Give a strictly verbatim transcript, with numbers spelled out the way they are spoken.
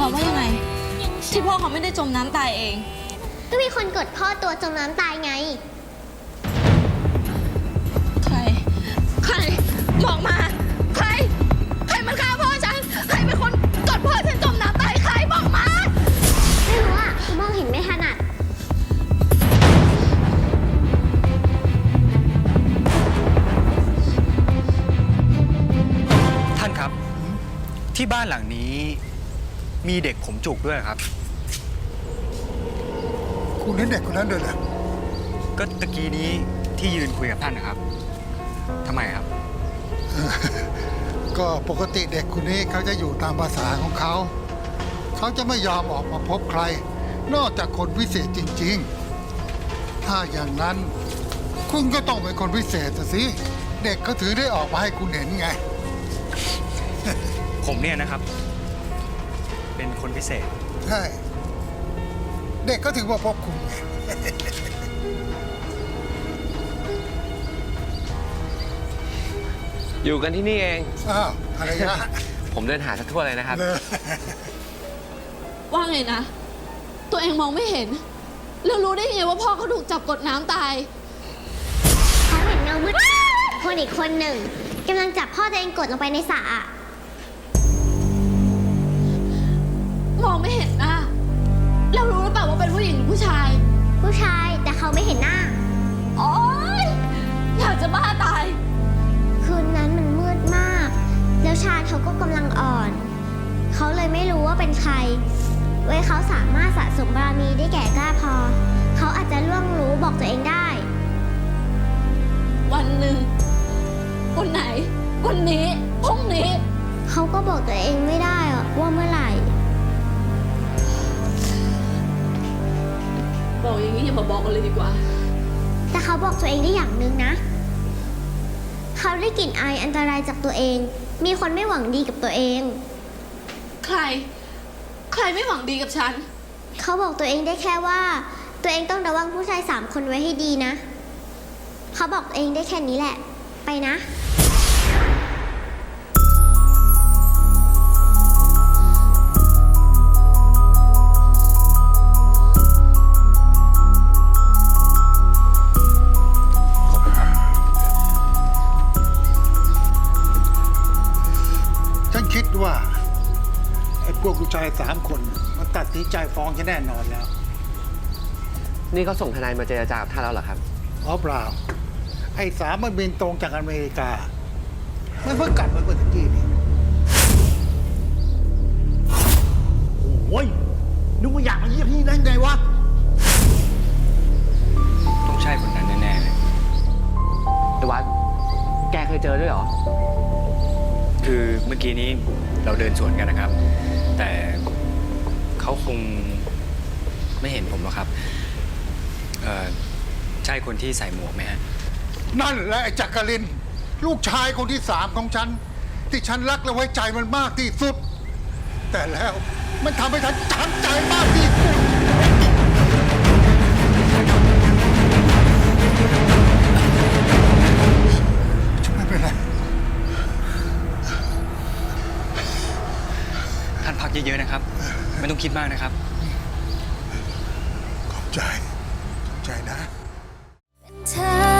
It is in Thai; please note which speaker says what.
Speaker 1: ความว่ายังไงที่พ่อเขาไม่ได้จมน้ำตายเอง
Speaker 2: ก็มีคนกดพ่อตัวจมน้ำตายไง
Speaker 1: ใครใครบอกมาใครใครมันฆ่าพ่อฉันใครเป็นคนกดพ่อฉันจมน้ำตายใครบอกมา
Speaker 2: ไม่รู้อ่ะมองเห็นไม่ถนัด
Speaker 3: ท่านครับที่บ้านหลังนี้มีเด็กผมจุกด้วยครับ
Speaker 4: คุณเห็นเด็กคนนั้นด้วยเหรอ
Speaker 3: ก็ตะกี้นี้ที่ยืนคุยกับท่านนะครับทำไมครับ
Speaker 4: ก็ปกติเด็กคนนี้เขาจะอยู่ตามภาษาของเขาเขาจะไม่ยอมออกมาพบใครนอกจากคนพิเศษจริงๆถ้าอย่างนั้นคุณก็ต้องเป็นคนพิเศษสิเด็กเขาถือได้ออกมาให้คุณเห็นไง
Speaker 3: ผมเนี่ยนะครับเป็นคนพิเศษ
Speaker 4: ใช่เด็กก็ถึงมาพบคุณไง
Speaker 5: อยู่กันที่นี่เอง
Speaker 4: อ้าวอะไรนะ
Speaker 5: ผมเดินหาสักทั่วเลยนะครับ
Speaker 1: ว่าไงนะตัวเองมองไม่เห็นแล้วรู้ได้ไงว่าพ่อเขาถูกจับกดน้ำตาย
Speaker 2: เขาเห็นเงามืดคนอีกคนหนึ่งกำลังจับพ่อตัวเองกดลงไปในสระ
Speaker 1: มองไม่เห็นหน้าแล้วรู้หรือเปล่าว่าเป็นผู้หญิงหรือผู้ชาย
Speaker 2: ผู้ชายแต่เขาไม่เห็นหน้า
Speaker 1: โอ๊ยอยากจะบ้าตาย
Speaker 2: คืนนั้นมันมืดมากแล้วชาญเขาก็กำลังอ่อนเขาเลยไม่รู้ว่าเป็นใครไว้เขาสามารถสะสมบารมีได้แก่กล้าพอเขาอาจจะล่วงรู้บอกตัวเองได้
Speaker 1: วันหนึ่งวันไหนวันนี้พรุ่งนี้
Speaker 2: เขาก็บอกตัวเองไม่ได้ว่าเมื่อไหร่
Speaker 1: บอกอย่างนี้อย่ามาบอกกันเลยดีกว่า
Speaker 2: แต่เขาบอกตัวเองได้อย่างหนึ่งนะเขาได้กลิ่นอายอันตรายจากตัวเองมีคนไม่หวังดีกับตัวเอง
Speaker 1: ใครใครไม่หวังดีกับฉัน
Speaker 2: เขาบอกตัวเองได้แค่ว่าตัวเองต้องระวังผู้ชายสามคนไว้ให้ดีนะเขาบอกตัวเองได้แค่นี้แหละไปนะ
Speaker 4: คิดว่าไอ้พวกผู้ชายสามคนมันตัดสินใจฟ้องฉันแน่นอนแล้ว
Speaker 5: นี่เขาส่งทนายมาเจรจากับท่านแล้วเหรอครับ
Speaker 4: อ๋อเปล่าไอ้สามมันบินตรงจากอเมริกามันเพิ่งกลับมาเมื่อตะกี้นี่โอ้ยนึกว่าอยากมาเยี่ยมที่นั่นไงวะ
Speaker 3: ต้องใช่คนนั้นแน่ๆเลย
Speaker 5: ไอ้วัดแกเคยเจอด้วยเหรอ
Speaker 3: คือเมื่อกี้นี้เราเดินสวนกันนะครับแต่เขาคงไม่เห็นผมหรอกครับเอ่อใช่คนที่ใส่หมวกไหมฮะ
Speaker 4: นั่นแหละไอ้จักรินลูกชายคนที่สามของฉันที่ฉันรักและไว้ใจมันมากที่สุดแต่แล้วมันทำให้ฉันช้ำใจมากที่สุดไม่เป็นไร
Speaker 3: ท่านพักเยอะๆนะครับไม่ต้องคิดมากนะครับ
Speaker 4: ขอบใจขอบใจนะ